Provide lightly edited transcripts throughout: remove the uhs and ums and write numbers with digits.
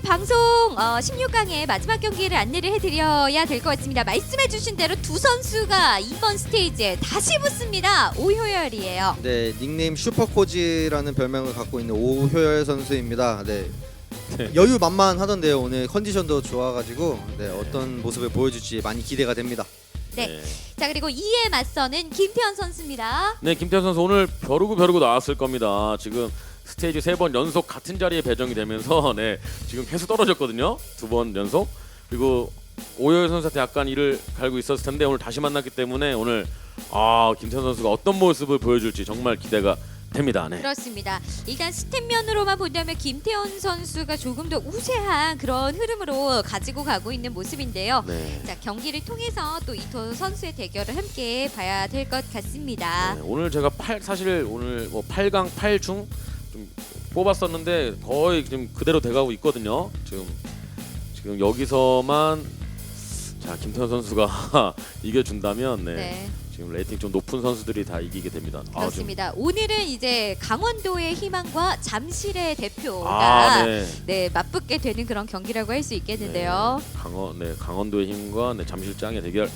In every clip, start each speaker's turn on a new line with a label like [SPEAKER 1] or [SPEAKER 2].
[SPEAKER 1] 방송 16강의 마지막 경기를 안내를 해드려야 될 것 같습니다. 말씀해주신 대로 두 선수가 이번 스테이지에 다시 붙습니다. 오효열이에요.
[SPEAKER 2] 네, 닉네임 슈퍼코지라는 별명을 갖고 있는 오효열 선수입니다. 네. 여유 만만하던데요. 오늘 컨디션도 좋아가지고 네, 어떤 모습을 보여줄지 많이 기대가 됩니다.
[SPEAKER 1] 네. 자, 그리고 이에 맞서는 김태현 선수입니다.
[SPEAKER 3] 네, 김태현 선수 오늘 벼르고 나왔을 겁니다. 지금 스테이지 3번 연속 같은 자리에 배정이 되면서 네, 지금 계속 떨어졌거든요. 2번 연속. 그리고 오효열 선수한테 약간 이를 갈고 있었을 텐데 오늘 다시 만났기 때문에 오늘 김태현 선수가 어떤 모습을 보여줄지 정말 기대가 됩니다. 네.
[SPEAKER 1] 그렇습니다. 일단 스탯면으로만 본다면 김태현 선수가 조금 더 우세한 그런 흐름으로 가지고 가고 있는 모습인데요.
[SPEAKER 3] 네.
[SPEAKER 1] 자, 경기를 통해서 또 이 두 선수의 대결을 함께 봐야 될 것 같습니다.
[SPEAKER 3] 네, 오늘 제가 사실 오늘 뭐 8강 8중 좀 뽑았었는데 거의 지금 그대로 돼가고 있거든요. 지금 여기서만 자 김태현 선수가 이겨준다면
[SPEAKER 1] 네.
[SPEAKER 3] 지금 레이팅 좀 높은 선수들이 다 이기게 됩니다.
[SPEAKER 1] 그렇습니다. 오늘은 이제 강원도의 희망과 잠실의 대표가 네, 맞붙게 되는 그런 경기라고 할 수 있겠는데요.
[SPEAKER 3] 강원도의 힘과 잠실장의 대결.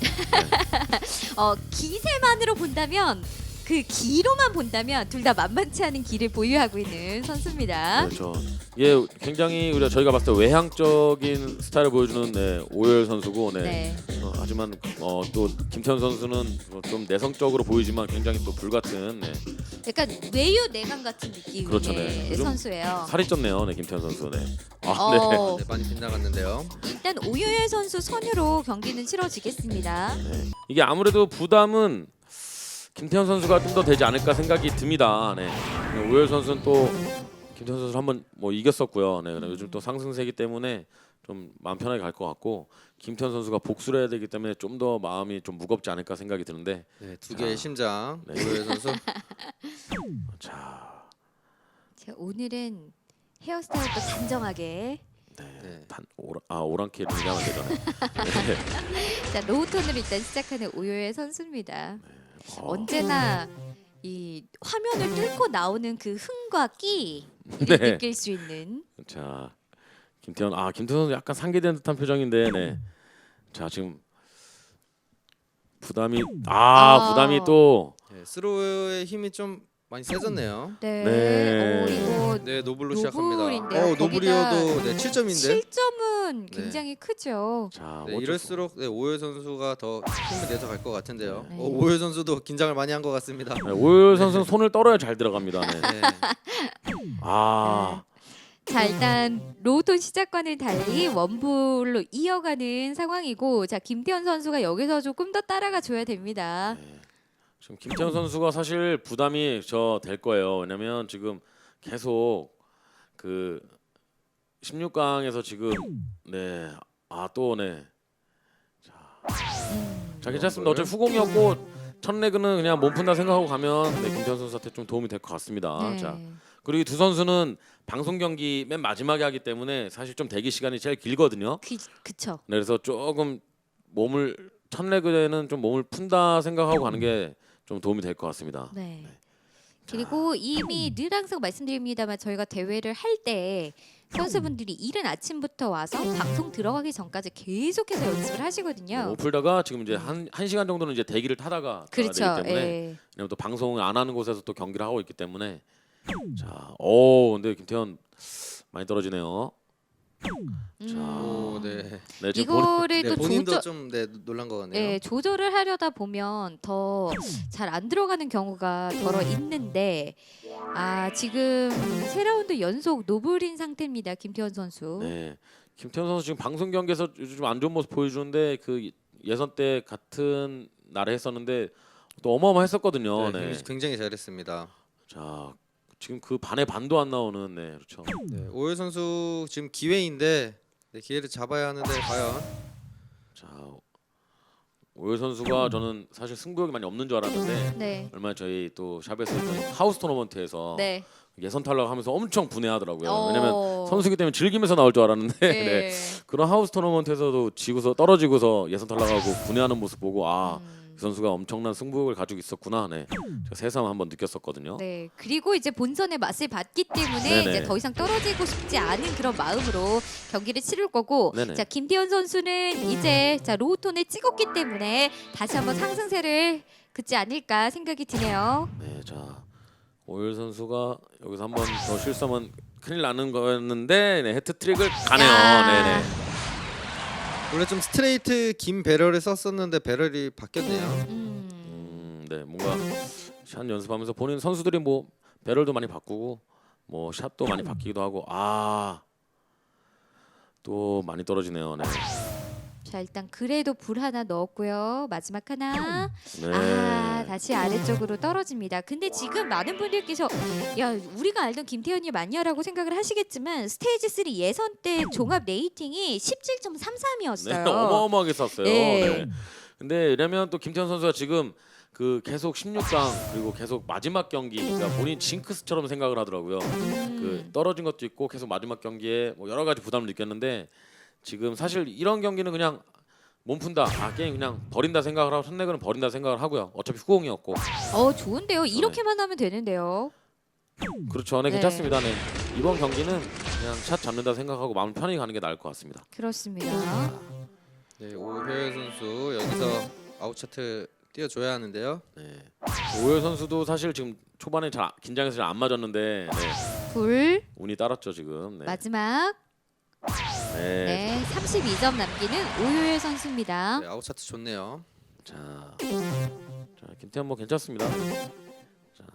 [SPEAKER 1] 기세만으로 본다면 그 기로만 본다면 둘 다 만만치 않은 기를 보유하고 있는 선수입니다.
[SPEAKER 3] 그렇죠. 예, 굉장히 저희가 봤을 때 외향적인 스타일을 보여주는 오효열 선수고, 하지만 또 김태현 선수는 좀 내성적으로 보이지만 굉장히 또 불같은
[SPEAKER 1] 약간 외유 내강 같은 느낌의
[SPEAKER 3] 그렇죠, 네.
[SPEAKER 1] 선수예요.
[SPEAKER 3] 살이 쪘네요, 김태현 선수. 네.
[SPEAKER 2] 네, 많이 빗나갔는데요.
[SPEAKER 1] 일단 오효열 선수 선유로 경기는 치러지겠습니다.
[SPEAKER 3] 네. 이게 아무래도 부담은 김태현 선수가 좀 더 되지 않을까 생각이 듭니다. 네. 오효열 선수는 또 김태현 선수를 한번 이겼었고요. 네. 요즘 또 상승세기 때문에 좀 마음 편하게 갈 것 같고 김태현 선수가 복수를 해야 되기 때문에 좀 더 마음이 좀 무겁지 않을까 생각이 드는데
[SPEAKER 2] 네, 두 개의 심장
[SPEAKER 3] 네.
[SPEAKER 2] 오효열 선수.
[SPEAKER 3] 자,
[SPEAKER 1] 오늘은 헤어스타일도 단정하게.
[SPEAKER 2] 네.
[SPEAKER 3] 오랑캐 이렇게 하면 되잖아요.
[SPEAKER 1] 자, 로우톤으로 일단 시작하는 오효열 선수입니다. 언제나 이 화면을 뚫고 나오는 그 흥과 끼를 느낄 수 있는.
[SPEAKER 3] 자, 김태현 선수 약간 상기된 듯한 표정인데, 네. 자, 지금 부담이 또
[SPEAKER 2] 네, 스로우의 힘이 좀 많이 세졌네요.
[SPEAKER 1] 네. 이거
[SPEAKER 2] 네, 노블로 시작합니다.
[SPEAKER 1] 노블인데요.
[SPEAKER 2] 노블이어도 7점인데.
[SPEAKER 1] 7점은 굉장히 크죠.
[SPEAKER 3] 자,
[SPEAKER 2] 네, 이럴수록 오효열 선수가 더 힘을 내서 갈 것 같은데요.
[SPEAKER 1] 네.
[SPEAKER 2] 오효열 선수도 긴장을 많이 한 것 같습니다.
[SPEAKER 3] 네, 오효열 선수는 손을 떨어야 잘 들어갑니다. 네.
[SPEAKER 2] 네.
[SPEAKER 1] 자, 일단 로우톤 시작과는 달리 원불로 이어가는 상황이고, 자, 김태현 선수가 여기서 조금 더 따라가 줘야 됩니다.
[SPEAKER 3] 지금 김태현 선수가 사실 부담이 될 거예요. 왜냐면 지금 계속 그 16강에서 지금 자 괜찮습니다. 어차피 후공이었고 첫 레그는 그냥 몸 푼다 생각하고 가면 김태현 선수한테 좀 도움이 될 것 같습니다.
[SPEAKER 1] 네.
[SPEAKER 3] 자 그리고 이 두 선수는 방송 경기 맨 마지막에 하기 때문에 사실 좀 대기 시간이 제일 길거든요.
[SPEAKER 1] 그쵸.
[SPEAKER 3] 네, 그래서 조금 첫 레그에는 좀 몸을 푼다 생각하고 가는 게 좀 도움이 될 것 같습니다.
[SPEAKER 1] 네. 그리고 이미 늘 항상 말씀드립니다만 저희가 대회를 할 때 선수분들이 이른 아침부터 와서 방송 들어가기 전까지 계속해서 연습을 하시거든요.
[SPEAKER 3] 못 풀다가 지금 이제 한 시간 정도는 이제 대기를 타다가
[SPEAKER 1] 그렇죠.
[SPEAKER 3] 되기 때문에
[SPEAKER 1] 예.
[SPEAKER 3] 왜냐면 또 방송을 안 하는 곳에서 또 경기를 하고 있기 때문에 근데 김태현 많이 떨어지네요. 자, 지금
[SPEAKER 1] 이거를 또
[SPEAKER 2] 본인도 좀 놀란 것 같네요.
[SPEAKER 1] 조절을 하려다 보면 더 잘 안 들어가는 경우가 더러 있는데 지금 3라운드 연속 노블인 상태입니다. 김태현 선수.
[SPEAKER 3] 네, 김태현 선수 지금 방송 경기에서 요즘 안 좋은 모습 보여주는데 그 예선 때 같은 날에 했었는데 또 어마어마했었거든요. 네.
[SPEAKER 2] 굉장히 잘했습니다.
[SPEAKER 3] 자, 지금 그 반의 반도 안 나오는 그렇죠.
[SPEAKER 2] 네, 오효열 선수 지금 기회인데 기회를 잡아야 하는데 과연.
[SPEAKER 3] 자, 오효열 선수가 저는 사실 승부욕이 많이 없는 줄 알았는데
[SPEAKER 1] 네.
[SPEAKER 3] 얼마 저희 또 샵에서 했던 하우스 토너먼트에서 예선 탈락하면서 엄청 분해하더라고요. 왜냐면 선수기 때문에 즐기면서 나올 줄 알았는데 그런 하우스 토너먼트에서도 떨어지고서 예선 탈락하고 분해하는 모습 보고 그 선수가 엄청난 승부욕을 가지고 있었구나. 네, 제가 새삼 한번 느꼈었거든요.
[SPEAKER 1] 네. 그리고 이제 본선의 맛을 봤기 때문에
[SPEAKER 3] 네네.
[SPEAKER 1] 이제 더 이상 떨어지고 싶지 않은 그런 마음으로 경기를 치를 거고,
[SPEAKER 3] 네네.
[SPEAKER 1] 자 김태현 선수는 이제 자 로우톤을 찍었기 때문에 다시 한번 상승세를 긋지 않을까 생각이 드네요.
[SPEAKER 3] 네, 자 오열 선수가 여기서 한번 더 실수하면 큰일 나는 거였는데 네, 해트트릭을 가네요.
[SPEAKER 1] 야.
[SPEAKER 3] 네네.
[SPEAKER 2] 원래 좀 스트레이트 긴 배럴을 썼었는데 배럴이 바뀌었네요.
[SPEAKER 3] 네, 뭔가 샷 연습하면서 본인 선수들이 뭐 배럴도 많이 바꾸고 뭐 샷도 많이 바뀌기도 하고 또 많이 떨어지네요. 네.
[SPEAKER 1] 자 일단 그래도 불 하나 넣었고요. 마지막 하나.
[SPEAKER 3] 네.
[SPEAKER 1] 다시 아래쪽으로 떨어집니다. 근데 지금 많은 분들께서 야 우리가 알던 김태현이 맞냐라고 생각을 하시겠지만 스테이지 3 예선 때 종합 레이팅이 17.33이었어요.
[SPEAKER 3] 네, 어마어마하게 쐈어요.
[SPEAKER 1] 네.
[SPEAKER 3] 네. 근데 이러면 또 김태현 선수가 지금 그 계속 16강 그리고 계속 마지막 경기 그러니까 본인 징크스처럼 생각을 하더라고요. 그 떨어진 것도 있고 계속 마지막 경기에 뭐 여러 가지 부담을 느꼈는데 지금 사실 이런 경기는 그냥 몸 푼다. 게임 그냥 버린다 생각을 하고 선내그는 버린다 생각을 하고요. 어차피 후공이었고.
[SPEAKER 1] 좋은데요. 이렇게만 하면 되는데요.
[SPEAKER 3] 그렇죠. 네,
[SPEAKER 1] 네.
[SPEAKER 3] 괜찮습니다. 네. 이번 경기는 그냥 샷 잡는다 생각하고 마음 편히 가는 게 나을 것 같습니다.
[SPEAKER 1] 그렇습니다.
[SPEAKER 2] 네, 오효열 선수 여기서 아웃 차트 띄워줘야 하는데요.
[SPEAKER 3] 네. 오열 선수도 사실 지금 초반에 잘 긴장해서 잘 안 맞았는데
[SPEAKER 1] 불
[SPEAKER 3] 운이 따랐죠 지금. 네.
[SPEAKER 1] 마지막
[SPEAKER 3] 네.
[SPEAKER 1] 네 32점 남기는 오효열 선수입니다.
[SPEAKER 2] 네, 아웃 차트 좋네요.
[SPEAKER 3] 자, 김태현 뭐 괜찮습니다. 자,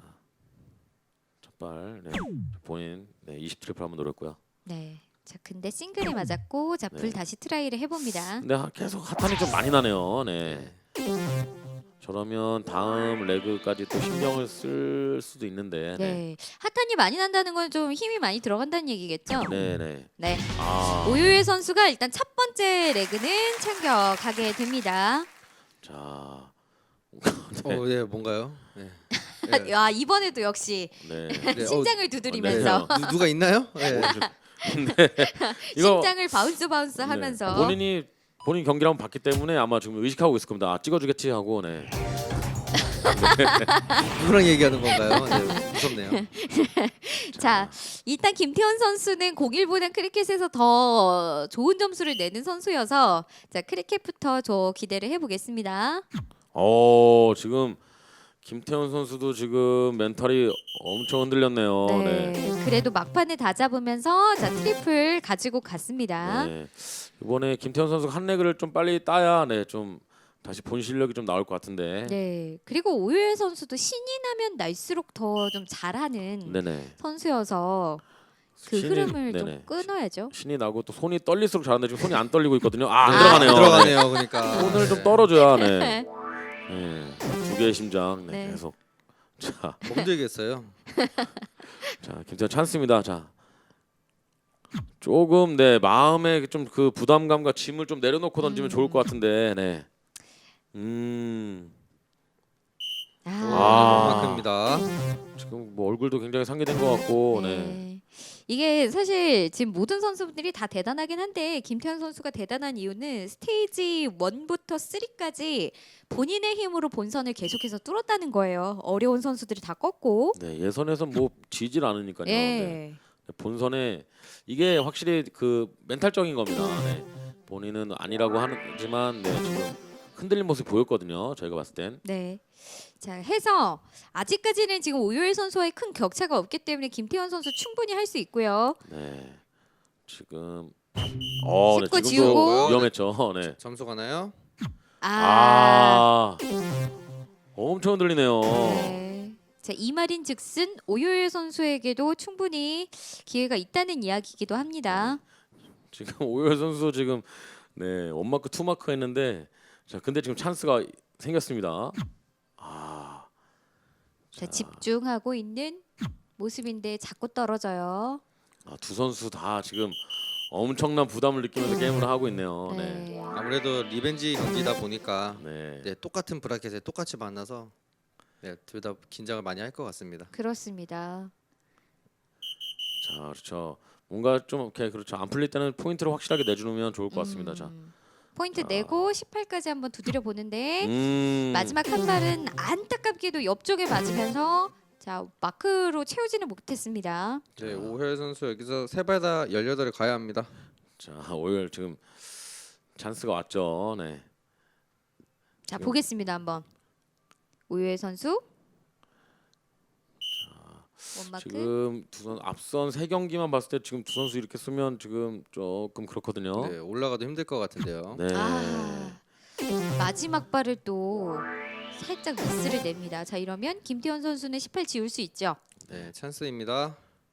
[SPEAKER 3] 첫발 본인 20 트리플 한번 노렸고요.
[SPEAKER 1] 네. 자 근데 싱글이 맞았고 자 불
[SPEAKER 3] 네.
[SPEAKER 1] 다시 트라이를 해봅니다.
[SPEAKER 3] 근데 계속 핫한이 좀 많이 나네요. 네. 저러면 다음 레그까지 또 신경을 쓸 수도 있는데.
[SPEAKER 1] 네. 핫한이 많이 난다는 건 좀 힘이 많이 들어간다는 얘기겠죠?
[SPEAKER 3] 네네.
[SPEAKER 1] 네.
[SPEAKER 3] 오유.
[SPEAKER 1] 오효열 선수가 일단 첫 번째 레그는 챙겨가게 됩니다.
[SPEAKER 3] 자.
[SPEAKER 2] 네, 뭔가요? 네. 네.
[SPEAKER 1] 야 이번에도 역시
[SPEAKER 2] 네,
[SPEAKER 1] 심장을 두드리면서
[SPEAKER 3] 네.
[SPEAKER 2] 누가 있나요? 네.
[SPEAKER 3] 이거
[SPEAKER 1] 심장을 바운스 하면서
[SPEAKER 3] 본인 경기를 한번 봤기 때문에 아마 지금 의식하고 있을 겁니다. 찍어주겠지 하고. 네.
[SPEAKER 2] 누구랑 얘기하는 건가요? 네, 무섭네요.
[SPEAKER 1] 자 일단 김태현 선수는 공일보단 크리켓에서 더 좋은 점수를 내는 선수여서 자 크리켓부터 저 기대를 해보겠습니다.
[SPEAKER 3] 지금 김태현 선수도 지금 멘탈이 엄청 흔들렸네요.
[SPEAKER 1] 네. 그래도 막판에 다 잡으면서 자 트리플 가지고 갔습니다.
[SPEAKER 3] 네. 이번에 김태현 선수가 한 레그를 좀 빨리 따야 좀 다시 본 실력이 좀 나올 것 같은데.
[SPEAKER 1] 네. 그리고 오유혜 선수도 신이 나면 날수록 더 좀 잘하는
[SPEAKER 3] 네네.
[SPEAKER 1] 선수여서 그 흐름을 좀 끊어야죠.
[SPEAKER 3] 신이 나고 또 손이 떨릴수록 잘하는데 지금 손이 안 떨리고 있거든요. 안 들어가네요.
[SPEAKER 2] 들어가네요. 그러니까
[SPEAKER 3] 손을 좀 떨어줘야. 네. 두 개의 심장. 네.
[SPEAKER 1] 네.
[SPEAKER 3] 계속. 자,
[SPEAKER 2] 힘들겠어요.
[SPEAKER 3] 김태현 찬스입니다. 자. 조금 마음에 좀 그 부담감과 짐을 좀 내려놓고 던지면 좋을 것 같은데. 네.
[SPEAKER 2] 그만큼입니다.
[SPEAKER 3] 지금 뭐 얼굴도 굉장히 상기된 것 같고. 네.
[SPEAKER 1] 네. 이게 사실 지금 모든 선수들이 다 대단하긴 한데 김태현 선수가 대단한 이유는 스테이지 1부터 3까지 본인의 힘으로 본선을 계속해서 뚫었다는 거예요. 어려운 선수들이 다 꺾고.
[SPEAKER 3] 네, 예선에서 뭐 지질 않으니까요. 네.
[SPEAKER 1] 예.
[SPEAKER 3] 본선에 이게 확실히 그 멘탈적인 겁니다. 네. 본인은 아니라고 하지만 지금 흔들린 모습 보였거든요. 저희가 봤을 땐.
[SPEAKER 1] 네. 자 해서 아직까지는 지금 오유혜 선수와의 큰 격차가 없기 때문에 김태현 선수 충분히 할 수 있고요.
[SPEAKER 3] 네. 지금
[SPEAKER 1] 짚고
[SPEAKER 3] 지금도
[SPEAKER 1] 지우고.
[SPEAKER 3] 위험했죠. 네.
[SPEAKER 2] 점수 가나요?
[SPEAKER 3] 엄청 흔들리네요.
[SPEAKER 1] 네. 자, 이 말인즉슨 오유혜 선수에게도 충분히 기회가 있다는 이야기이기도 합니다.
[SPEAKER 3] 지금 오열 선수 지금 원마크 투마크 했는데 자 근데 지금 찬스가 생겼습니다.
[SPEAKER 1] 자, 집중하고 있는 모습인데 자꾸 떨어져요.
[SPEAKER 3] 두 선수 다 지금 엄청난 부담을 느끼면서 게임을 하고 있네요. 네.
[SPEAKER 1] 네.
[SPEAKER 2] 아무래도 리벤지 경기다 보니까
[SPEAKER 3] 네.
[SPEAKER 2] 똑같은 브라켓에 똑같이 만나서 둘 다 긴장을 많이 할 것 같습니다.
[SPEAKER 1] 그렇습니다.
[SPEAKER 3] 자, 그렇죠. 뭔가 좀 이렇게 그렇죠. 안 풀릴 때는 포인트를 확실하게 내주면 좋을 것 같습니다. 자,
[SPEAKER 1] 포인트 내고 18까지 한번 두드려 보는데
[SPEAKER 3] 음.
[SPEAKER 1] 마지막 한 발은 안타깝게도 옆쪽에 맞으면서 자 마크로 채우지는 못했습니다.
[SPEAKER 2] 네, 오효열 선수 여기서 세 발 다 18을 가야 합니다.
[SPEAKER 3] 자, 오열 지금 찬스가 왔죠. 네.
[SPEAKER 1] 자
[SPEAKER 3] 지금-
[SPEAKER 1] 보겠습니다 한번 오유혜 선수 원마크
[SPEAKER 3] 지금 두 선 앞선 세 경기만 봤을 때 지금 두 선수 이렇게 쓰면 지금 조금 그렇거든요.
[SPEAKER 2] 네, 올라가도 힘들 것 같은데요.
[SPEAKER 3] 네.
[SPEAKER 1] 아 마지막 발을 또 살짝 미스를 냅니다. 자 이러면 김태현 선수는 18 지울 수 있죠.
[SPEAKER 2] 네, 찬스입니다.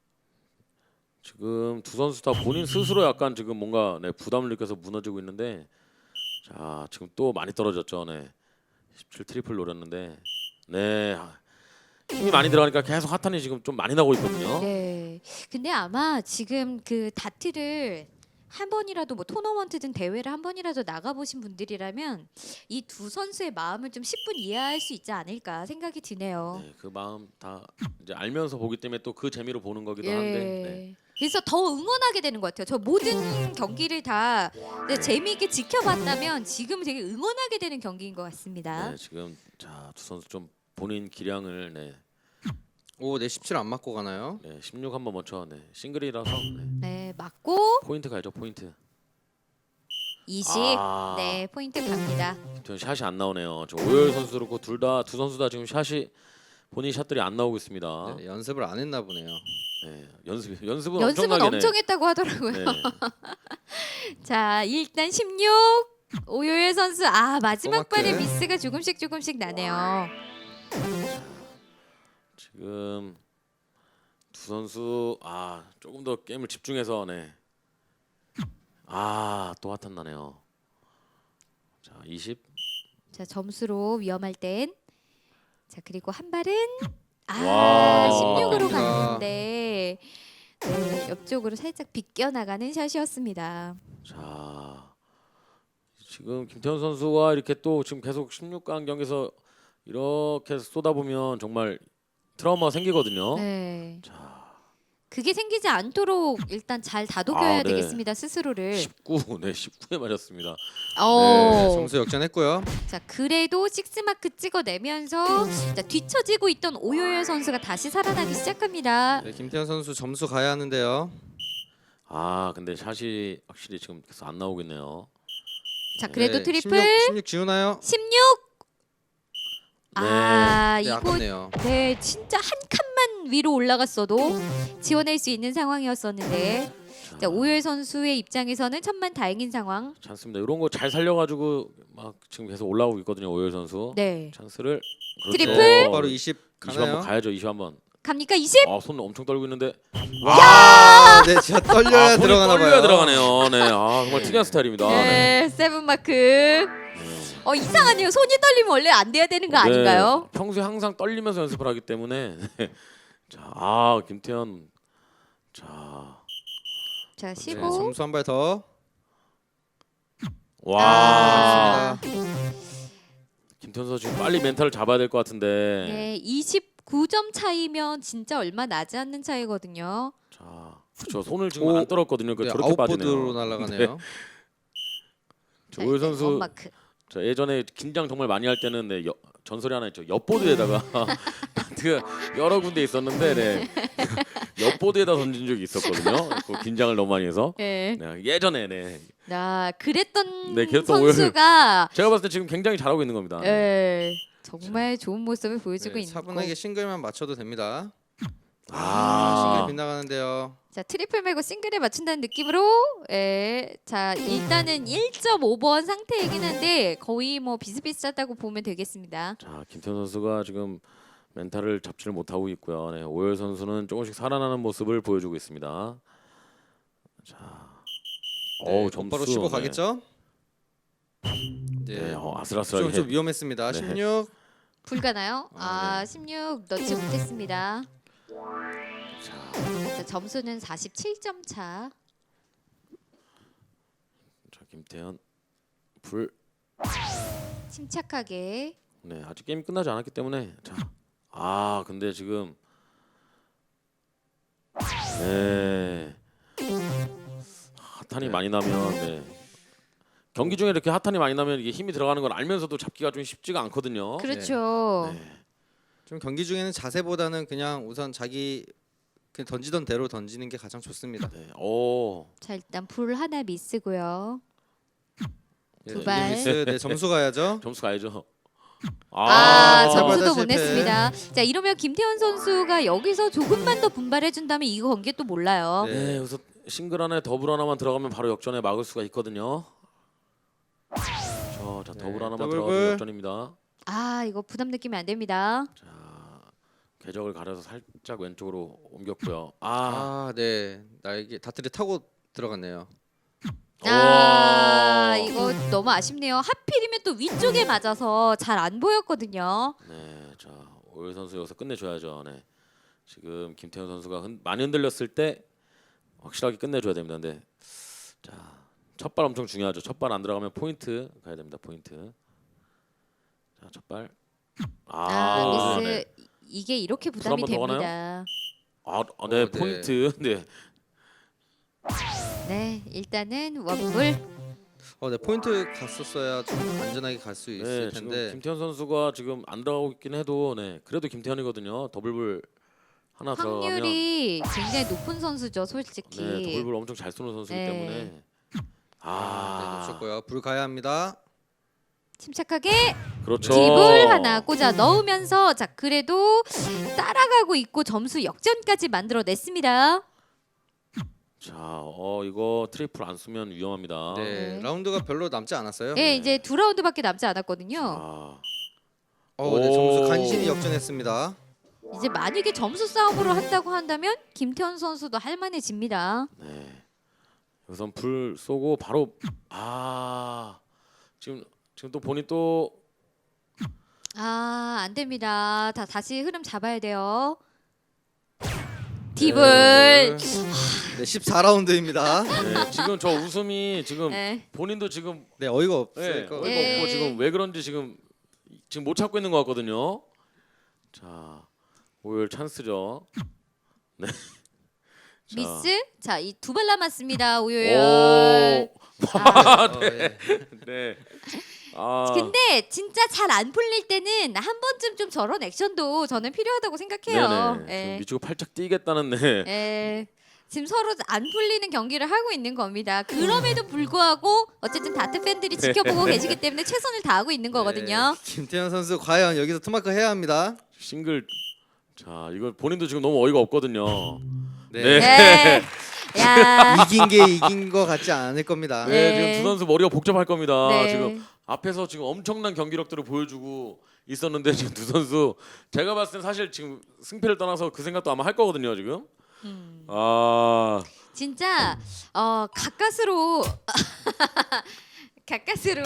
[SPEAKER 3] 지금 두 선수 다 본인 스스로 약간 지금 뭔가 네, 부담을 느껴서 무너지고 있는데 자 지금 또 많이 떨어졌죠. 네. 17 트리플 노렸는데 네 힘이 많이 들어가니까 계속 핫한이 지금 좀 많이 나고 있거든요.
[SPEAKER 1] 네. 근데 아마 지금 그 다트를 한 번이라도 뭐 토너먼트든 대회를 한 번이라도 나가 보신 분들이라면 이 두 선수의 마음을 좀 10분 이해할 수 있지 않을까 생각이 드네요.
[SPEAKER 3] 네, 그 마음 다 이제 알면서 보기 때문에 또 그 재미로 보는 거기도
[SPEAKER 1] 예.
[SPEAKER 3] 한데 네.
[SPEAKER 1] 그래서 더 응원하게 되는 것 같아요. 저 모든 경기를 다 재미있게 지켜봤다면 지금 되게 응원하게 되는 경기인 것 같습니다.
[SPEAKER 3] 네, 지금 자 두 선수 좀 본인 기량을 네,
[SPEAKER 2] 오, 네, 17 안 맞고 가나요?
[SPEAKER 3] 네 16 한번 먼저 네, 싱글이라서 네,
[SPEAKER 1] 네, 맞고
[SPEAKER 3] 포인트 가야죠 포인트.
[SPEAKER 1] 20.
[SPEAKER 3] 아.
[SPEAKER 1] 네, 포인트 갑니다.
[SPEAKER 3] 저 샷이 안 나오네요. 저 오열 선수 그렇고 두 선수 다 지금 샷이 본인 샷들이 안 나오고 있습니다.
[SPEAKER 2] 네, 연습을 안 했나 보네요.
[SPEAKER 3] 네, 연습은
[SPEAKER 1] 연습은
[SPEAKER 3] 엄청나게
[SPEAKER 1] 엄청 했다고 하더라고요.
[SPEAKER 3] 네.
[SPEAKER 1] 자 일단 16 오요일 선수 아 마지막
[SPEAKER 2] 꼬맣게.
[SPEAKER 1] 발에 미스가 조금씩 나네요.
[SPEAKER 3] 지금 두 선수 조금 더 게임을 집중해서 네. 또 핫한 나네요. 자 20.
[SPEAKER 1] 자 점수로 위험할 땐 자 그리고 한 발은
[SPEAKER 3] 와.
[SPEAKER 1] 16으로
[SPEAKER 2] 갑니다.
[SPEAKER 1] 갔는데 네, 옆쪽으로 살짝 비껴 나가는 샷이었습니다.
[SPEAKER 3] 자 지금 김태현 선수와 이렇게 또 지금 계속 16강 경기에서 이렇게 쏟아보면 정말 트라우마가 생기거든요.
[SPEAKER 1] 네.
[SPEAKER 3] 자
[SPEAKER 1] 그게 생기지 않도록 일단 잘 다독여야
[SPEAKER 3] 네.
[SPEAKER 1] 되겠습니다 스스로를.
[SPEAKER 3] 19, 네 19에 맞았습니다.
[SPEAKER 2] 네,
[SPEAKER 1] 어.
[SPEAKER 2] 점수 역전했고요.
[SPEAKER 1] 자 그래도 6마크 찍어내면서 자, 뒤처지고 있던 오요열 선수가 다시 살아나기 시작합니다.
[SPEAKER 2] 네, 김태현 선수 점수 가야 하는데요.
[SPEAKER 3] 근데 샷이 확실히 지금 계속 안 나오고 있네요.
[SPEAKER 1] 자 그래도
[SPEAKER 2] 네,
[SPEAKER 1] 트리플
[SPEAKER 2] 16 지우나요?
[SPEAKER 1] 16.
[SPEAKER 3] 네.
[SPEAKER 2] 네,
[SPEAKER 1] 이거
[SPEAKER 2] 아깝네요.
[SPEAKER 1] 네 진짜 한 칸만 위로 올라갔어도 지원할 수 있는 상황이었었는데 자 오요열 선수의 입장에서는 천만 다행인 상황.
[SPEAKER 3] 찬스입니다. 이런 거 잘 살려가지고 막 지금 계속 올라오고 있거든요. 오열 선수.
[SPEAKER 1] 네
[SPEAKER 3] 찬스를
[SPEAKER 1] 트리플!
[SPEAKER 2] 네, 바로 20
[SPEAKER 3] 20 한번
[SPEAKER 2] 가나요?
[SPEAKER 3] 가야죠. 20 한번.
[SPEAKER 1] 갑니까 20?
[SPEAKER 3] 손 엄청 떨고 있는데.
[SPEAKER 2] 아, 네, 진짜 떨려야
[SPEAKER 3] 손이
[SPEAKER 2] 들어가나 봐요.
[SPEAKER 3] 떨려야 들어가네요. 네, 정말 특이한 스타일입니다.
[SPEAKER 1] 네 7마크. 이상하네요. 손이 떨리면 원래 안 돼야 되는 거 아닌가요?
[SPEAKER 3] 네, 평소에 항상 떨리면서 연습을 하기 때문에. 네. 자, 김태현. 자,
[SPEAKER 1] 자
[SPEAKER 2] 네,
[SPEAKER 1] 15.
[SPEAKER 2] 점수 한 발 더.
[SPEAKER 3] 와.
[SPEAKER 2] 좋습니다.
[SPEAKER 3] 김태현 선수 지금 빨리 멘탈을 잡아야 될 것 같은데.
[SPEAKER 1] 네 29점 차이면 진짜 얼마 나지 않는 차이거든요.
[SPEAKER 3] 자, 그렇죠. 손을 지금
[SPEAKER 2] 오.
[SPEAKER 3] 안 떨었거든요.
[SPEAKER 2] 네,
[SPEAKER 3] 저렇게 빠지네요.
[SPEAKER 2] 아웃보드로 날아가네요.
[SPEAKER 3] 오열 선수
[SPEAKER 1] 원마크.
[SPEAKER 3] 저 예전에 긴장 정말 많이 할 때는 네, 전설이 하나 있죠. 옆보드에다가 그 여러 군데 있었는데 네. 옆보드에다 던진 적이 있었거든요. 그 긴장을 너무 많이 해서.
[SPEAKER 1] 네.
[SPEAKER 3] 네, 예전에 네.
[SPEAKER 1] 그랬던
[SPEAKER 3] 네, 그랬던
[SPEAKER 1] 선수가
[SPEAKER 3] 제가 봤을 때 지금 굉장히 잘하고 있는 겁니다.
[SPEAKER 1] 정말 좋은 모습을 보여주고
[SPEAKER 2] 네,
[SPEAKER 1] 있고.
[SPEAKER 2] 차분하게 싱글만 맞춰도 됩니다. 싱글
[SPEAKER 3] 아,
[SPEAKER 2] 빗나가는데요.
[SPEAKER 1] 자 트리플 말고 싱글에 맞춘다는 느낌으로 자 일단은 1.5번 상태이긴 한데 거의 뭐 비슷비슷하다고 보면 되겠습니다.
[SPEAKER 3] 자 김태현 선수가 지금 멘탈을 잡지를 못하고 있고요. 네, 오열 선수는 조금씩 살아나는 모습을 보여주고 있습니다. 자,
[SPEAKER 2] 네,
[SPEAKER 3] 점수
[SPEAKER 2] 곧바로 15
[SPEAKER 3] 네.
[SPEAKER 2] 가겠죠?
[SPEAKER 3] 네,
[SPEAKER 2] 네,
[SPEAKER 3] 아슬아슬하게.
[SPEAKER 2] 좀 위험했습니다.
[SPEAKER 3] 네.
[SPEAKER 2] 16.
[SPEAKER 1] 불가나요?
[SPEAKER 2] 네.
[SPEAKER 1] 16 넣지 못했습니다.
[SPEAKER 3] 자,
[SPEAKER 1] 자, 점수는 47점 차.
[SPEAKER 3] 자 김태현 불.
[SPEAKER 1] 침착하게.
[SPEAKER 3] 네, 아직 게임 끝나지 않았기 때문에 자, 근데 지금 네 핫한이
[SPEAKER 2] 네.
[SPEAKER 3] 많이 나면 네 경기 중에 이렇게 핫한이 많이 나면 이게 힘이 들어가는 걸 알면서도 잡기가 좀 쉽지가 않거든요.
[SPEAKER 1] 그렇죠.
[SPEAKER 3] 네.
[SPEAKER 2] 좀 경기 중에는 자세보다는 그냥 우선 자기 그냥 던지던 대로 던지는 게 가장 좋습니다.
[SPEAKER 3] 네. 오.
[SPEAKER 1] 자 일단 불 하나 미스고요.
[SPEAKER 2] 예,
[SPEAKER 1] 두 발.
[SPEAKER 2] 미스, 네, 점수 가야죠.
[SPEAKER 3] 점수 가야죠.
[SPEAKER 1] 점수도
[SPEAKER 2] 실패.
[SPEAKER 1] 못 냈습니다. 자 이러면 김태현 선수가 여기서 조금만 더 분발해 준다면 이 경기 또 몰라요.
[SPEAKER 3] 네, 그래서 싱글 하나에 더블 하나만 들어가면 바로 역전에 막을 수가 있거든요. 자, 더블 하나만
[SPEAKER 2] 더블
[SPEAKER 3] 들어가면
[SPEAKER 2] 불.
[SPEAKER 3] 역전입니다.
[SPEAKER 1] 아 이거 부담 느끼면 안 됩니다.
[SPEAKER 3] 자, 궤적을 가려서 살짝 왼쪽으로 옮겼고요.
[SPEAKER 2] 네. 날개 다트리 타고 들어갔네요.
[SPEAKER 1] 이거 너무 아쉽네요. 하필이면 또 위쪽에 맞아서 잘 안 보였거든요.
[SPEAKER 3] 네, 자 오열 선수 여기서 끝내줘야죠. 네, 지금 김태현 선수가 많이 흔들렸을 때 확실하게 끝내줘야 됩니다. 근데 자, 첫 발 엄청 중요하죠. 첫 발 안 들어가면 포인트 가야 됩니다. 포인트. 자, 첫 발.
[SPEAKER 1] 미스.
[SPEAKER 3] 네.
[SPEAKER 1] 이게 이렇게
[SPEAKER 3] 불
[SPEAKER 1] 부담이
[SPEAKER 3] 한번 더
[SPEAKER 1] 됩니다.
[SPEAKER 3] 네,
[SPEAKER 2] 네.
[SPEAKER 3] 포인트. 네.
[SPEAKER 1] 네, 일단은 원불.
[SPEAKER 2] 네, 포인트 갔었어야 좀 안전하게 갈 수 있을
[SPEAKER 3] 네, 지금
[SPEAKER 2] 텐데.
[SPEAKER 3] 김태현 선수가 지금 안 들어가고 있긴 해도 네, 그래도 김태현이거든요. 더블불 하나 들어가면
[SPEAKER 1] 확률이 굉장히 높은 선수죠, 솔직히.
[SPEAKER 3] 네, 더블불 엄청 잘 쏘는 선수이기
[SPEAKER 1] 네.
[SPEAKER 3] 때문에
[SPEAKER 2] 네, 놓쳤고요. 불 가야 합니다.
[SPEAKER 1] 침착하게
[SPEAKER 3] 그렇죠.
[SPEAKER 1] 딥을 하나 꽂아 넣으면서 자 그래도 따라가고 있고 점수 역전까지 만들어냈습니다.
[SPEAKER 3] 자, 이거 트리플 안 쓰면 위험합니다.
[SPEAKER 2] 네,
[SPEAKER 1] 네.
[SPEAKER 2] 라운드가 별로 남지 않았어요.
[SPEAKER 1] 네, 이제 2라운드밖에 남지 않았거든요.
[SPEAKER 3] 아,
[SPEAKER 2] 네, 점수 간신히 역전했습니다.
[SPEAKER 1] 이제 만약에 점수 싸움으로 한다고 한다면 김태현 선수도 할만해집니다.
[SPEAKER 3] 네. 우선 불 쏘고 바로 지금 또 본인 또
[SPEAKER 1] 안 됩니다. 다시 흐름 잡아야 돼요. 딥을.
[SPEAKER 2] 네, 14라운드입니다.
[SPEAKER 3] 네, 지금 저 웃음이 지금
[SPEAKER 1] 네.
[SPEAKER 3] 본인도 지금
[SPEAKER 2] 네, 어이가
[SPEAKER 3] 네,
[SPEAKER 2] 없으니까.
[SPEAKER 3] 어이가
[SPEAKER 1] 네.
[SPEAKER 3] 없고 지금 왜 그런지 지금 못 참고 있는 것 같거든요. 자, 오열 찬스죠. 네. 자.
[SPEAKER 1] 미스. 자, 이 두 발 남았습니다.
[SPEAKER 3] 오.
[SPEAKER 1] 오요열.
[SPEAKER 2] 네.
[SPEAKER 3] 네.
[SPEAKER 1] 근데 진짜 잘 안 풀릴 때는 한 번쯤 좀 저런 액션도 저는 필요하다고 생각해요.
[SPEAKER 3] 네네.
[SPEAKER 1] 예.
[SPEAKER 3] 지금 미치고 팔짝 뛰겠다는 네.
[SPEAKER 1] 예. 지금 서로 안 풀리는 경기를 하고 있는 겁니다. 그럼에도 불구하고 어쨌든 다트 팬들이 지켜보고 계시기 때문에 최선을 다하고 있는 거거든요.
[SPEAKER 2] 김태현 선수 과연 여기서 투마크 해야 합니다.
[SPEAKER 3] 싱글. 자, 이거 본인도 지금 너무 어이가 없거든요.
[SPEAKER 2] 네.
[SPEAKER 1] 네. 야.
[SPEAKER 2] 이긴 게 이긴 거 같지 않을 겁니다.
[SPEAKER 3] 네,
[SPEAKER 1] 네.
[SPEAKER 3] 지금 두 선수 머리가 복잡할 겁니다.
[SPEAKER 1] 네.
[SPEAKER 3] 지금 앞에서 지금 엄청난 경기력들을 보여주고 있었는데 지금 두 선수 제가 봤을 땐 사실 지금 승패를 떠나서 그 생각도 아마 할 거거든요 지금.
[SPEAKER 1] 진짜 가까스로 가까스로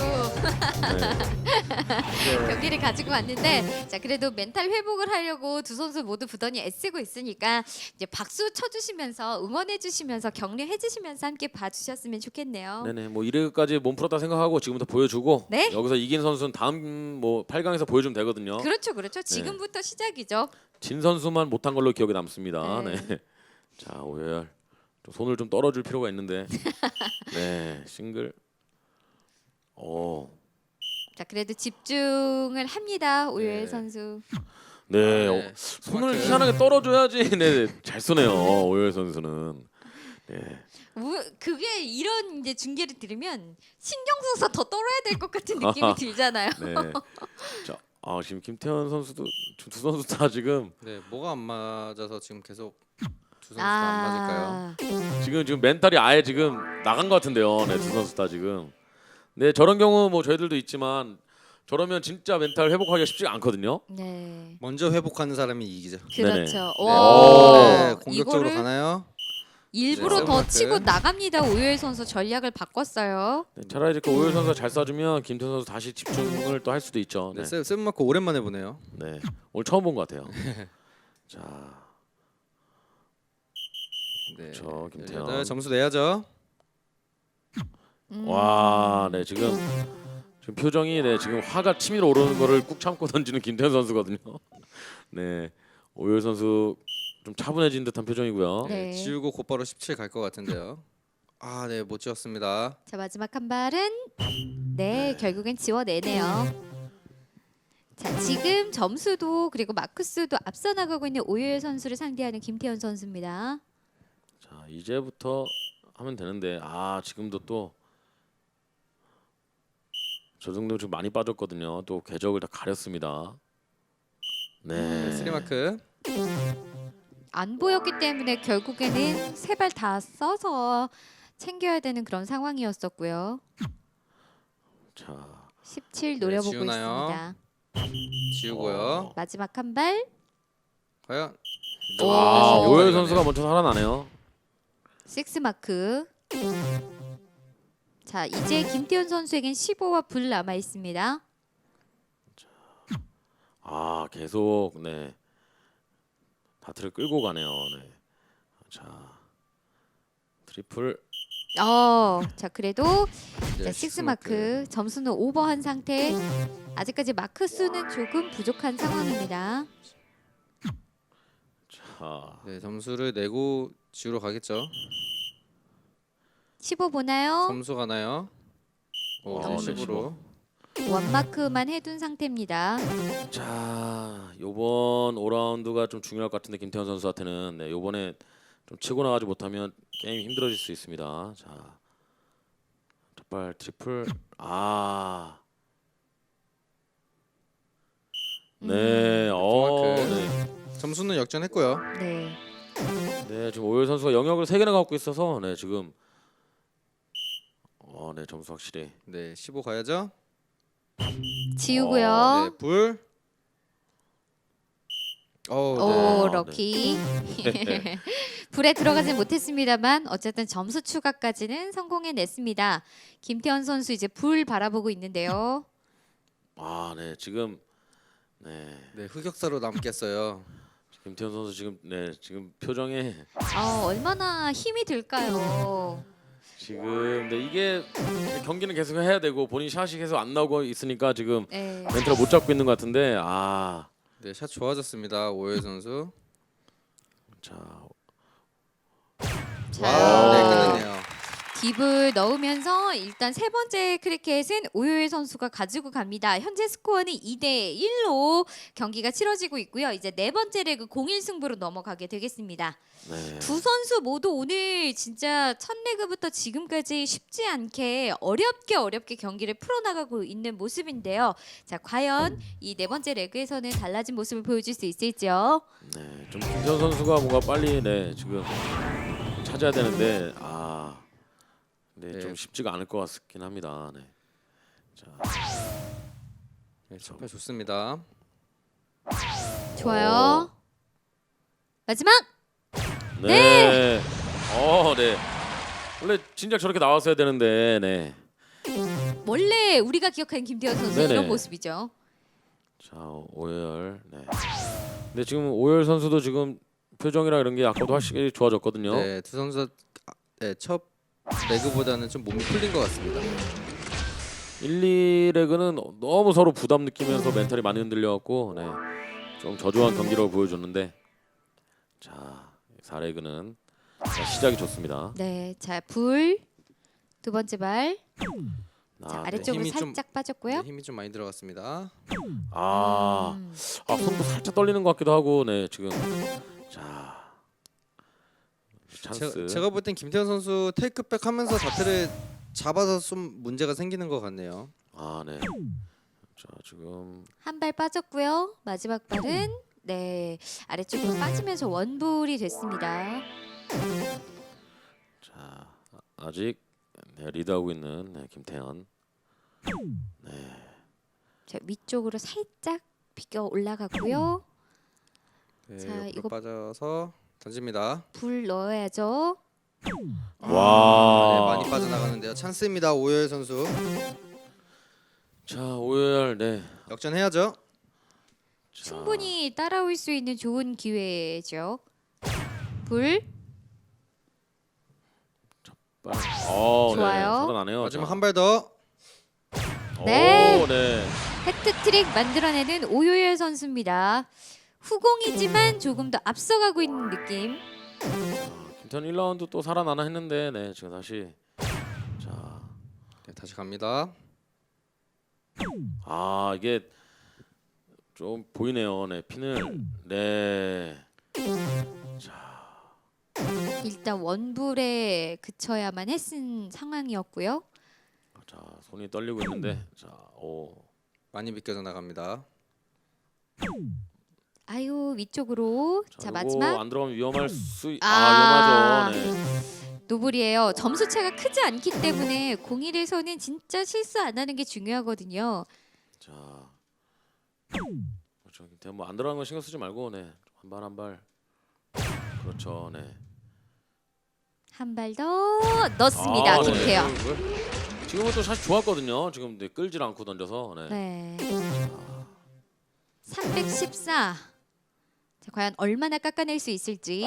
[SPEAKER 1] 경기를 가지고 왔는데 자 그래도 멘탈 회복을 하려고 두 선수 모두 부단히 애쓰고 있으니까 이제 박수 쳐주시면서 응원해주시면서 격려해주시면서 함께 봐주셨으면 좋겠네요.
[SPEAKER 3] 네네, 뭐 1회까지 몸 풀었다 생각하고 지금부터 보여주고
[SPEAKER 1] 네.
[SPEAKER 3] 여기서 이긴 선수는 다음 뭐 8강에서 보여주면 되거든요.
[SPEAKER 1] 그렇죠, 그렇죠. 지금부터 시작이죠.
[SPEAKER 3] 진 선수만 못한 걸로 기억에 남습니다.
[SPEAKER 1] 네.
[SPEAKER 3] 네. 자, 오열 좀 손을 좀 떨어줄 필요가 있는데. 네, 싱글.
[SPEAKER 1] 자 그래도 집중을 합니다 오요일
[SPEAKER 2] 네.
[SPEAKER 1] 선수.
[SPEAKER 3] 네,
[SPEAKER 2] 네.
[SPEAKER 3] 손을
[SPEAKER 2] 정확해요.
[SPEAKER 3] 희한하게 떨어줘야지. 네, 잘 쏘네요. 오열 선수는. 네.
[SPEAKER 1] 그게 이런 이제 중계를 들으면 신경 써서 더 떨어야 될 것 같은 느낌이 들잖아요.
[SPEAKER 3] 네. 자, 지금 김태현 선수도 두 선수 다 지금
[SPEAKER 2] 네, 뭐가 안 맞아서 지금 계속 두 선수 다 안 맞을까요?
[SPEAKER 3] 지금 멘탈이 아예 지금 나간 것 같은데요. 네, 두 선수 다 지금. 네, 저런 경우 뭐 저희들도 있지만 저러면 진짜 멘탈 회복하기가 쉽지가 않거든요.
[SPEAKER 1] 네.
[SPEAKER 2] 먼저 회복하는 사람이 이기죠.
[SPEAKER 1] 그렇죠.
[SPEAKER 3] 네네.
[SPEAKER 1] 와,
[SPEAKER 2] 네, 공격적으로
[SPEAKER 1] 이거를
[SPEAKER 2] 가나요?
[SPEAKER 1] 일부러
[SPEAKER 2] 네,
[SPEAKER 1] 더
[SPEAKER 2] 세븐마크.
[SPEAKER 1] 치고 나갑니다. 오요일 선수 전략을 바꿨어요.
[SPEAKER 3] 네, 차라리 이렇게 오열 선수가 잘 쏴주면 김태현 선수 다시 집중을 또 할 수도 있죠.
[SPEAKER 2] 네,
[SPEAKER 3] 네,
[SPEAKER 2] 세븐마크 오랜만에 보네요.
[SPEAKER 3] 네, 오늘 처음 본 것 같아요. 자,
[SPEAKER 2] 네,
[SPEAKER 3] 그렇죠, 김태현.
[SPEAKER 2] 18 점수 내야죠.
[SPEAKER 3] 와, 네 지금 표정이 네 지금 화가 치밀어 오르는 거를 꾹 참고 던지는 김태현 선수거든요. 네, 오열 선수 좀 차분해진 듯한 표정이고요.
[SPEAKER 1] 네.
[SPEAKER 2] 지우고 곧바로 17 갈 것 같은데요. 아, 네, 못 지었습니다.
[SPEAKER 1] 자 마지막 한 발은 네 결국엔 지워내네요. 자 지금 점수도 그리고 마크수도 앞서 나가고 있는 오유열 선수를 상대하는 김태현 선수입니다.
[SPEAKER 3] 자 이제부터 하면 되는데 지금도 또 저 정도 지금 많이 빠졌거든요. 또 궤적을 다 가렸습니다. 네.
[SPEAKER 2] 스리마크.
[SPEAKER 1] 안 보였기 때문에 결국에는 세 발 다 써서 챙겨야 되는 그런 상황이었었고요.
[SPEAKER 3] 자
[SPEAKER 1] 17 노려보고
[SPEAKER 2] 지우나요?
[SPEAKER 1] 있습니다.
[SPEAKER 2] 지우고요.
[SPEAKER 1] 마지막 한 발.
[SPEAKER 2] 과연
[SPEAKER 3] 오유열 선수가 먼저 살아나네요.
[SPEAKER 1] 6 마크. 자 이제 김태현 선수에겐 15와 불 남아 있습니다.
[SPEAKER 3] 계속 네 다트를 끌고 가네요. 네. 자 트리플.
[SPEAKER 1] 자 그래도
[SPEAKER 2] 네,
[SPEAKER 1] 자, 6 마크 점수는 오버한 상태. 아직까지 마크 수는 조금 부족한 상황입니다.
[SPEAKER 3] 자
[SPEAKER 2] 네, 점수를 내고 지우러 가겠죠.
[SPEAKER 1] 15 보나요?
[SPEAKER 2] 점수 가나요? 오,
[SPEAKER 3] 네,
[SPEAKER 2] 10으로.
[SPEAKER 1] 원 마크만 해둔 상태입니다.
[SPEAKER 3] 자 요번 5라운드가 좀 중요할 것 같은데 김태현 선수한테는 네, 요번에 좀 치고 나가지 못하면 게임이 힘들어질 수 있습니다. 자 첫발 트리플. 네. 네.
[SPEAKER 2] 점수는 역전했고요.
[SPEAKER 1] 네.
[SPEAKER 3] 네, 지금 오유열 선수가 영역을 3개나 갖고 있어서 네, 지금 네, 점수 확실히.
[SPEAKER 2] 네, 15 가야죠.
[SPEAKER 1] 지우고요.
[SPEAKER 2] 네, 불.
[SPEAKER 1] 오
[SPEAKER 2] 네.
[SPEAKER 1] 럭키. 불에 들어가진 못했습니다만 어쨌든 점수 추가까지는 성공해냈습니다. 김태현 선수 이제 불 바라보고 있는데요.
[SPEAKER 3] 네, 지금 네,
[SPEAKER 2] 네, 흑역사로 남겠어요.
[SPEAKER 3] 김태현 선수 지금 표정에
[SPEAKER 1] 얼마나 힘이 들까요?
[SPEAKER 3] 지금 이게 경기는 계속 해야 되고 본인 샷이 계속 안 나오고 있으니까 지금
[SPEAKER 1] 네.
[SPEAKER 3] 멘트를 못 잡고 있는 것 같은데
[SPEAKER 2] 네, 샷 좋아졌습니다. 오유열 선수.
[SPEAKER 3] 자,
[SPEAKER 2] 와, 네, 끝났네요.
[SPEAKER 1] 딥을 넣으면서 일단 세 번째 크리켓은 오유열 선수가 가지고 갑니다. 현재 스코어는 2대 1로 경기가 치러지고 있고요. 이제 네 번째 레그 0-1 승부로 넘어가게 되겠습니다.
[SPEAKER 3] 네.
[SPEAKER 1] 두 선수 모두 오늘 진짜 첫 레그부터 지금까지 쉽지 않게 어렵게 경기를 풀어나가고 있는 모습인데요. 자, 과연 이 네 번째 레그에서는 달라진 모습을 보여줄 수 있을지요?
[SPEAKER 3] 네, 좀 김태현 선수가 뭔가 빨리 지금 찾아야 되는데 네,
[SPEAKER 2] 네.
[SPEAKER 3] 좀 쉽지가 않을 것 같긴 합니다. 네. 자,
[SPEAKER 2] 네, 첫발 좋습니다.
[SPEAKER 1] 좋아요. 마지막!
[SPEAKER 3] 네. 네. 원래 진작 저렇게 나왔어야 되는데, 네.
[SPEAKER 1] 원래 우리가 기억하는 김태현 선수
[SPEAKER 3] 네네.
[SPEAKER 1] 이런 모습이죠.
[SPEAKER 3] 자, 오열. 네. 근데 지금 오열 선수도 지금 표정이랑 이런 게 아까도 확실히 좋아졌거든요.
[SPEAKER 2] 네, 두 선수 첫 레그보다는 좀 몸이 풀린 것 같습니다.
[SPEAKER 3] 1, 2레그는 너무 서로 부담 느끼면서 멘탈이 많이 흔들려갖고, 네. 좀 저조한 경기력을 보여줬는데, 자, 4레그는 시작이 좋습니다.
[SPEAKER 1] 네, 자, 불. 두 번째 발. 자, 아래쪽으로
[SPEAKER 2] 힘이 좀-
[SPEAKER 1] 살짝 빠졌고요.
[SPEAKER 2] 네, 힘이 좀 많이 들어갔습니다.
[SPEAKER 3] 손도 살짝 떨리는 것 같기도 하고, 네, 지금. 자, 찬스.
[SPEAKER 2] 제가 볼 땐 김태현 선수 테이크백 하면서 자태를 잡아서 좀 문제가 생기는 것 같네요.
[SPEAKER 3] 네. 자, 지금
[SPEAKER 1] 한 발 빠졌고요. 마지막 발은 네 아래쪽으로 빠지면서 원불이 됐습니다.
[SPEAKER 3] 자, 아직 리드하고 있는 김태현.
[SPEAKER 1] 자 위쪽으로 살짝 비껴 올라갔고요.
[SPEAKER 2] 네,
[SPEAKER 1] 자,
[SPEAKER 2] 옆으로
[SPEAKER 1] 이거-
[SPEAKER 2] 빠져서 던집니다.
[SPEAKER 1] 불 넣어야죠.
[SPEAKER 3] 와.
[SPEAKER 2] 네, 많이 빠져나가는데요. 찬스입니다. 오유열 선수.
[SPEAKER 3] 자, 오열. 네.
[SPEAKER 2] 역전해야죠.
[SPEAKER 3] 자,
[SPEAKER 1] 충분히 따라올 수 있는 좋은 기회죠. 불 좋아요.
[SPEAKER 3] 네, 살아나네요.
[SPEAKER 2] 마지막
[SPEAKER 3] 자.
[SPEAKER 2] 한 발 더.
[SPEAKER 1] 네.
[SPEAKER 3] 네.
[SPEAKER 1] 해트트릭 만들어내는 오유열 선수입니다. 후공이지만 조금 더 앞서가고 있는 느낌.
[SPEAKER 3] 김태현 1라운드 또 살아나나 했는데 네 지금 다시 자,
[SPEAKER 2] 네, 다시 갑니다.
[SPEAKER 3] 아 이게 좀 보이네요. 네 핀을 네.
[SPEAKER 1] 일단 원불에 그쳐야만 했은 상황이었고요.
[SPEAKER 3] 자 손이 떨리고 있는데 자 오.
[SPEAKER 2] 많이 비껴져 나갑니다.
[SPEAKER 1] 아유 위쪽으로. 자
[SPEAKER 3] 요거
[SPEAKER 1] 마지막
[SPEAKER 3] 안 들어가면 위험할 수
[SPEAKER 1] 아.
[SPEAKER 3] 위험하죠. 네.
[SPEAKER 1] 노블이에요. 점수 차가 크지 않기 때문에 01에서는 진짜 실수 안 하는 게 중요하거든요.
[SPEAKER 3] 자 그렇죠. 김태현 뭐안 들어가는 거 신경 쓰지 말고 네 한 발 한 발. 그렇죠. 네.
[SPEAKER 1] 한 발 더 넣습니다.
[SPEAKER 3] 아,
[SPEAKER 1] 김태현.
[SPEAKER 3] 네. 지금은 또 샷이 좋았거든요. 지금 네, 끌질 않고 던져서. 네.
[SPEAKER 1] 네. 314. 자, 과연 얼마나 깎아낼 수 있을지.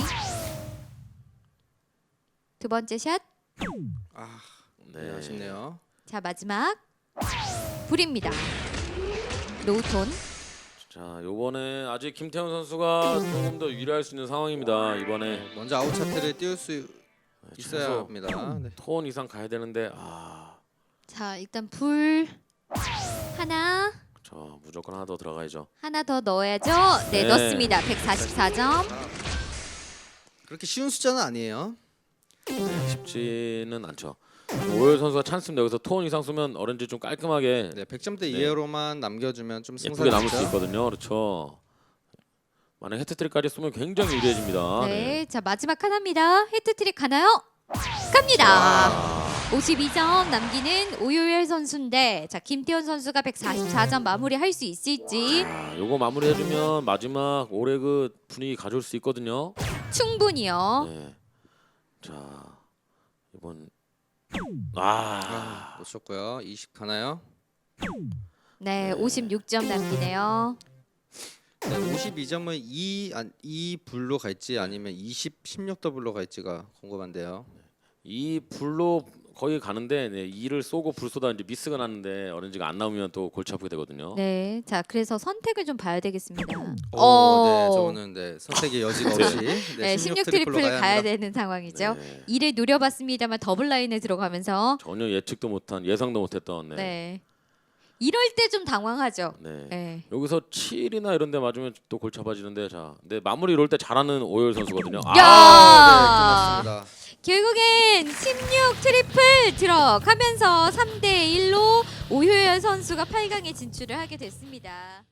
[SPEAKER 1] 두 번째 샷.
[SPEAKER 2] 아,
[SPEAKER 3] 네.
[SPEAKER 2] 네, 아쉽네요.
[SPEAKER 1] 자, 마지막. 불입니다. 노톤.
[SPEAKER 3] 자, 요번에 아직 김태훈 선수가 조금 더 유리할 수 있는 상황입니다. 이번에
[SPEAKER 2] 먼저 아웃 차트를 띄울 수 있어야
[SPEAKER 3] 최소
[SPEAKER 2] 합니다. 네.
[SPEAKER 3] 톤 이상 가야 되는데 아,
[SPEAKER 1] 자, 일단 불 하나.
[SPEAKER 3] 저 무조건 하나 더 들어가야죠.
[SPEAKER 1] 하나 더 넣어야죠. 네,
[SPEAKER 3] 네.
[SPEAKER 1] 넣습니다. 144점.
[SPEAKER 2] 그렇게 쉬운 숫자는 아니에요.
[SPEAKER 3] 네, 쉽지는 않죠. 오열 선수가 찬스입니다. 여기서 톤 이상 쏘면 어렌지 좀 깔끔하게
[SPEAKER 2] 네, 100점대
[SPEAKER 3] 네.
[SPEAKER 2] 이하로만 남겨주면 좀
[SPEAKER 3] 예쁘게 남을 수
[SPEAKER 2] 승산이죠.
[SPEAKER 3] 있거든요. 그렇죠. 만약 헤트트릭까지 쏘면 굉장히 유리해집니다.
[SPEAKER 1] 네, 자 마지막 하나입니다. 헤트트릭 가나요? 갑니다.
[SPEAKER 3] 아,
[SPEAKER 1] 52점 남기는 오요열 선수인데, 자 김태현 선수가 144점 마무리할 수 있을지.
[SPEAKER 3] 아, 요거 마무리해주면 마지막 올해 그 분위기 가져올 수 있거든요.
[SPEAKER 1] 충분히요.
[SPEAKER 3] 네. 자 이번
[SPEAKER 2] 아, 놓쳤고요. 20 가나요?
[SPEAKER 1] 네, 56점 남기네요.
[SPEAKER 2] 네, 52점은 2 불로 갈지 아니면 16 더블로 갈지가 궁금한데요.
[SPEAKER 3] 이 불로 거의 가는데 네, 이를 쏘고 불 쏘다 이제 미스가 났는데 어렌지가 안 나오면 또 골치 아프게 되거든요.
[SPEAKER 1] 네, 자 그래서 선택을 좀 봐야 되겠습니다.
[SPEAKER 2] 네, 저는 네, 선택의 여지가 없이
[SPEAKER 1] 네, 16
[SPEAKER 2] 트리플로
[SPEAKER 1] 트리플 가야
[SPEAKER 2] 합니다.
[SPEAKER 1] 되는 상황이죠.
[SPEAKER 3] 네.
[SPEAKER 1] 이를 노려봤습니다만 더블 라인에 들어가면서
[SPEAKER 3] 전혀 예측도 못한 예상도 못했던 네.
[SPEAKER 1] 네, 이럴 때 좀 당황하죠.
[SPEAKER 3] 네.
[SPEAKER 1] 네.
[SPEAKER 3] 여기서 7이나 이런 데 맞으면 또 골치 아파지는데 자, 근데 마무리 이럴 때 잘하는 오열 선수거든요.
[SPEAKER 1] 야!
[SPEAKER 2] 아, 네, 끝났습니다.
[SPEAKER 1] 결국엔 16 트리플 들어가면서 3대 1로 오효열 선수가 8강에 진출을 하게 됐습니다.